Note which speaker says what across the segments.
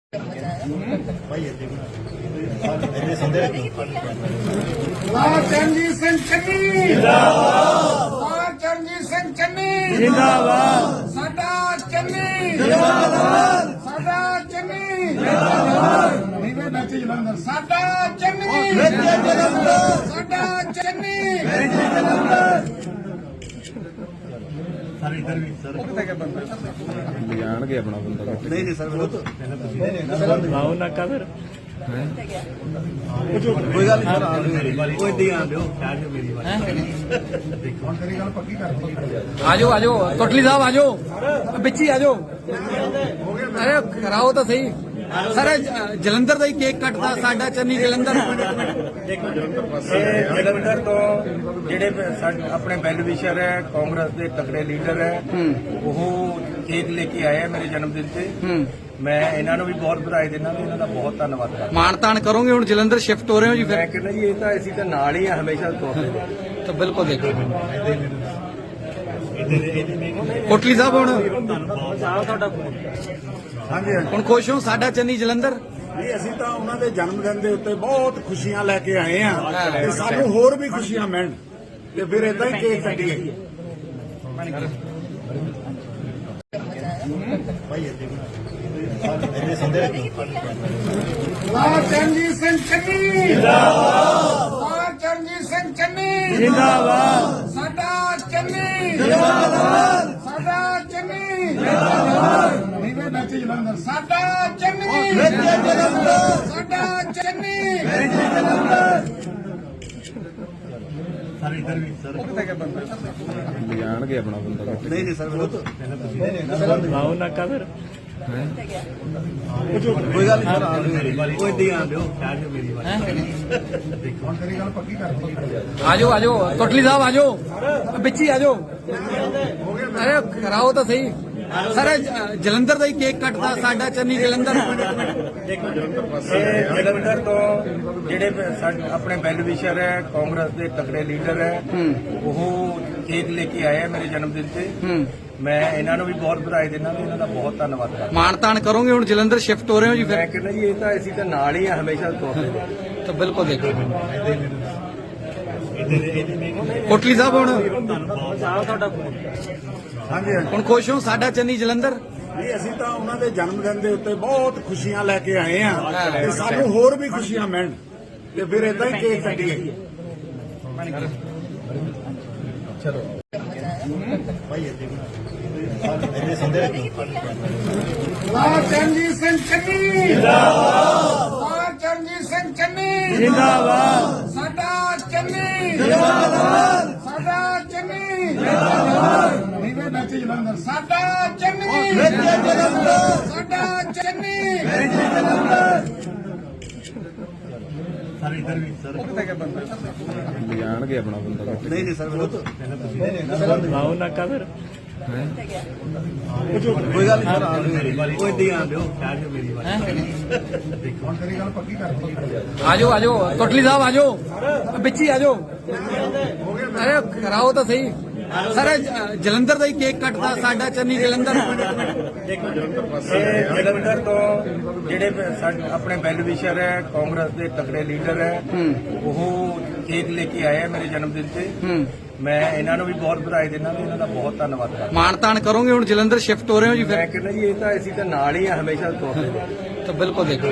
Speaker 1: ਚਰਨਜੀਤ ਸਿੰਘ ਚੰਨੀ ਜਿੰਦਾਬਾਦ। ਚਰਨਜੀਤ ਸਿੰਘ ਚੰਨੀ ਜਿੰਦਾਬਾਦ। ਸਾਡਾ ਚੰਨੀ ਜਿੰਦਾਬਾਦ। ਸਾਡਾ ਚੰਨੀ ਜਿੰਦਾਬਾਦ। ਨੀਵੇਂ ਨੱਚੇ ਜਲੰਧਰ ਸਾਡਾ ਚੰਨੀ ਜਿੰਦਾਬਾਦ। ਸਾਡਾ ਚੰਨੀ ਜਿੰਦਾਬਾਦ।
Speaker 2: ਜਾਣਗੇ ਆਪਣਾ ਬੰਦਾ
Speaker 3: नहीं सर वो तो
Speaker 2: ਲਾਓ ਨਾਕਾ ਫਿਰ
Speaker 3: कोई गल नहीं सर वो इदा ही आन दो मेरी
Speaker 1: ਆਜੋ ਆਜੋ ਕੋਟਲੀ ਸਾਹਿਬ ਆਜੋ ਵਿੱਚ ਹੀ ਆਜੋ ਅਰੇ ਕਰਾਓ ਤਾਂ ਸਹੀ ਸਰ ਜਲੰਧਰ ਦਾ ਹੀ ਕੇਕ ਕੱਟਦਾ ਸਾਡਾ ਚੰਨੀ ਜਲੰਧਰ
Speaker 3: ਜਲੰਧਰ ਤੋਂ ਜਿਹੜੇ ਆਪਣੇ ਵੈਲ ਵਿਸ਼ਰ ਹੈ ਕਾਂਗਰਸ ਦੇ ਤਕੜੇ ਲੀਡਰ ਹੈ ਉਹ ਕੇਕ ਲੈ ਕੇ ਆਏ ਹੈ ਮੇਰੇ ਜਨਮ ਦਿਨ ਤੇ ਮੈਂ ਇਹਨਾਂ ਨੂੰ ਵੀ ਬਹੁਤ ਵਧਾਈ ਦਿੰਦਾ ਤੇ ਇਹਨਾਂ ਦਾ ਬਹੁਤ ਧੰਨਵਾਦ ਕਰਦਾ।
Speaker 1: ਮਾਣ ਤਾਣ ਕਰੋਗੇ ਹੁਣ ਜਲੰਧਰ ਸ਼ਿਫਟ ਹੋ ਰਹੇ ਹੋ ਜੀ
Speaker 3: ਮੈਂ
Speaker 1: ਫਿਰ
Speaker 3: ਕਹਿੰਦਾ ਜੀ ਇਹ ਤਾਂ ਅਸੀਂ ਤਾਂ ਨਾਲ ਹੀ ਆ ਹਮੇਸ਼ਾ ਤੋਂ
Speaker 1: ਤਾਂ ਬਿਲਕੁਲ ਦੇਖੋ ਕੋਟਲੀ ਸਾਹਿਬ ਹੁਣ
Speaker 4: ਹਾਂਜੀ
Speaker 1: ਹੁਣ ਖੁਸ਼ ਹੋ ਸਾਡਾ ਚੰਨੀ ਜਲੰਧਰ
Speaker 4: ਨਹੀਂ ਅਸੀਂ ਤਾਂ ਉਹਨਾਂ ਦੇ ਜਨਮ ਦਿਨ ਦੇ ਉੱਤੇ ਬਹੁਤ ਖੁਸ਼ੀਆਂ ਲੈ ਕੇ ਆਏ ਆ ਤੇ ਸਾਨੂੰ ਹੋਰ ਵੀ ਖੁਸ਼ੀਆਂ ਮਿਲਣ ਤੇ ਫਿਰ ਇਦਾਂ ਹੀ ਕੇਕ ਕੱਟੀਏ ਚਰਨਜੀਤ ਸਿੰਘ ਚੰਨੀ ਜਿੰਦਾਬਾਦ। ਚਰਨਜੀਤ ਸਿੰਘ ਚੰਨੀ ਜਿੰਦਾਬਾਦ। ਸਾਡਾ ਚੰਨੀ ਜਿੰਦਾਬਾਦ। ਸਾਡਾ ਚੰਨੀ ਜਿੰਦਾਬਾਦ। ਨੀਵੇਂ ਨੱਚੇ ਜਲੰਧਰ ਸਾਡਾ ਚੰਨੀ ਜਿੰਦਾਬਾਦ। ਸਾਡਾ ਚੰਨੀ ਜਿੰਦਾਬਾਦ।
Speaker 2: ਜਾਣਗੇ ਆਪਣਾ ਬੰਦਾ
Speaker 3: नहीं सर वो तो
Speaker 2: ਲਾਓ ਨਾਕਾ ਫਿਰ
Speaker 3: कोई गल नहीं सर वो इदा ही आन दो मेरी
Speaker 1: ਆਜੋ ਆਜੋ ਕੋਟਲੀ ਸਾਹਿਬ ਆਜੋ ਵਿੱਚ ਹੀ ਆਜੋ ਅਰੇ ਕਰਾਓ ਤਾਂ ਸਹੀ ਸਰ ਜਲੰਧਰ ਦਾ ਹੀ ਕੇਕ ਕੱਟਦਾ ਸਾਡਾ ਚੰਨੀ ਜਲੰਧਰ
Speaker 3: ਜਲੰਧਰ ਤੋਂ ਜਿਹੜੇ ਆਪਣੇ ਵੈਲ ਵਿਸ਼ਰ ਹੈ ਕਾਂਗਰਸ ਦੇ ਤਕੜੇ ਲੀਡਰ ਹੈ ਉਹ ਕੇਕ ਲੈ ਕੇ ਆਏ ਹੈ ਮੇਰੇ ਜਨਮ ਦਿਨ ਤੇ ਮੈਂ ਇਹਨਾਂ ਨੂੰ ਵੀ ਬਹੁਤ ਵਧਾਈ ਦਿੰਦਾ ਤੇ ਇਹਨਾਂ ਦਾ ਬਹੁਤ ਧੰਨਵਾਦ ਕਰਦਾ।
Speaker 1: ਮਾਣ ਤਾਣ ਕਰੋਗੇ ਹੁਣ ਜਲੰਧਰ ਸ਼ਿਫਟ ਹੋ ਰਹੇ ਹੋ ਜੀ
Speaker 3: ਮੈਂ
Speaker 1: ਫਿਰ
Speaker 3: ਕਹਿੰਦਾ ਜੀ ਇਹ ਤਾਂ ਅਸੀਂ ਤਾਂ ਨਾਲ ਹੀ ਆ ਹਮੇਸ਼ਾ ਤੋਂ
Speaker 1: ਤਾਂ ਬਿਲਕੁਲ ਦੇਖੋ ਕੋਟਲੀ ਸਾਹਿਬ ਹੁਣ
Speaker 4: ਹਾਂਜੀ
Speaker 1: ਹੁਣ ਖੁਸ਼ ਹੋ ਸਾਡਾ ਚੰਨੀ ਜਲੰਧਰ
Speaker 4: ਨਹੀਂ ਅਸੀਂ ਤਾਂ ਉਹਨਾਂ ਦੇ ਜਨਮ ਦਿਨ ਦੇ ਉੱਤੇ ਬਹੁਤ ਖੁਸ਼ੀਆਂ ਲੈ ਕੇ ਆਏ ਆ ਤੇ ਸਾਨੂੰ ਹੋਰ ਵੀ ਖੁਸ਼ੀਆਂ ਮਿਲਣ ਤੇ ਫਿਰ ਇਦਾਂ ਹੀ ਕੇਕ ਕੱਟੀਏ ਚਰਨਜੀਤ ਸਿੰਘ ਚੰਨੀ ਜਿੰਦਾਬਾਦ। ਚਰਨਜੀਤ ਸਿੰਘ ਚੰਨੀ ਜਿੰਦਾਬਾਦ। ਸਾਡਾ ਚੰਨੀ ਜਿੰਦਾਬਾਦ। ਸਾਡਾ ਚੰਨੀ ਜਿੰਦਾਬਾਦ। ਨੀਵੇਂ ਨੱਚੇ ਜਲੰਧਰ ਸਾਡਾ ਚੰਨੀ ਜਿੰਦਾਬਾਦ। ਸਾਡਾ ਚੰਨੀ ਜਿੰਦਾਬਾਦ।
Speaker 2: ਜਾਣਗੇ ਆਪਣਾ ਬੰਦਾ
Speaker 3: नहीं सर वो तो
Speaker 2: ਲਾਓ ਨਾਕਾ ਫਿਰ
Speaker 3: कोई गल नहीं सर वो इदा ही आन दो मेरी
Speaker 1: ਆਜੋ ਆਜੋ ਕੋਟਲੀ ਸਾਹਿਬ ਆਜੋ ਵਿੱਚ ਹੀ ਆਜੋ ਅਰੇ ਕਰਾਓ ਤਾਂ ਸਹੀ ਸਰ ਜਲੰਧਰ ਦਾ ਹੀ ਕੇਕ ਕੱਟਦਾ ਸਾਡਾ ਚੰਨੀ ਜਲੰਧਰ
Speaker 3: ਜਲੰਧਰ ਤੋਂ ਜਿਹੜੇ ਆਪਣੇ ਵੈਲ ਵਿਸ਼ਰ ਹੈ ਕਾਂਗਰਸ ਦੇ ਤਕੜੇ ਲੀਡਰ ਹੈ ਉਹ ਕੇਕ ਲੈ ਕੇ ਆਏ ਹੈ ਮੇਰੇ ਜਨਮ ਦਿਨ ਤੇ ਮੈਂ ਇਹਨਾਂ ਨੂੰ ਵੀ ਬਹੁਤ ਵਧਾਈ ਦਿੰਦਾ ਤੇ ਇਹਨਾਂ ਦਾ ਬਹੁਤ ਧੰਨਵਾਦ ਕਰਦਾ।
Speaker 1: ਮਾਣ ਤਾਣ ਕਰੋਗੇ ਹੁਣ ਜਲੰਧਰ ਸ਼ਿਫਟ ਹੋ ਰਹੇ ਹੋ ਜੀ
Speaker 3: ਮੈਂ
Speaker 1: ਫਿਰ
Speaker 3: ਕਹਿੰਦਾ ਜੀ ਇਹ ਤਾਂ ਅਸੀਂ ਤਾਂ ਨਾਲ ਹੀ ਆ ਹਮੇਸ਼ਾ ਤੋਂ
Speaker 1: ਤਾਂ ਬਿਲਕੁਲ ਦੇਖੋ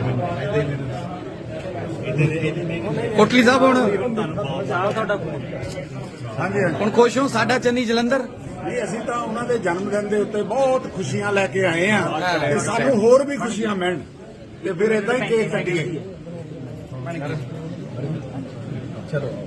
Speaker 1: ਕੋਟਲੀ ਸਾਹਿਬ ਹੁਣ
Speaker 4: ਹਾਂਜੀ
Speaker 1: ਹੁਣ ਖੁਸ਼ ਹੋ ਸਾਡਾ ਚੰਨੀ ਜਲੰਧਰ
Speaker 4: ਨਹੀਂ ਅਸੀਂ ਤਾਂ ਉਹਨਾਂ ਦੇ ਜਨਮ ਦਿਨ ਦੇ ਉੱਤੇ ਬਹੁਤ ਖੁਸ਼ੀਆਂ ਲੈ ਕੇ ਆਏ ਆ ਤੇ ਸਾਨੂੰ ਹੋਰ ਵੀ ਖੁਸ਼ੀਆਂ ਮਿਲਣ ਤੇ ਫਿਰ ਇਦਾਂ ਹੀ ਕੇਕ ਕੱਟੀਏ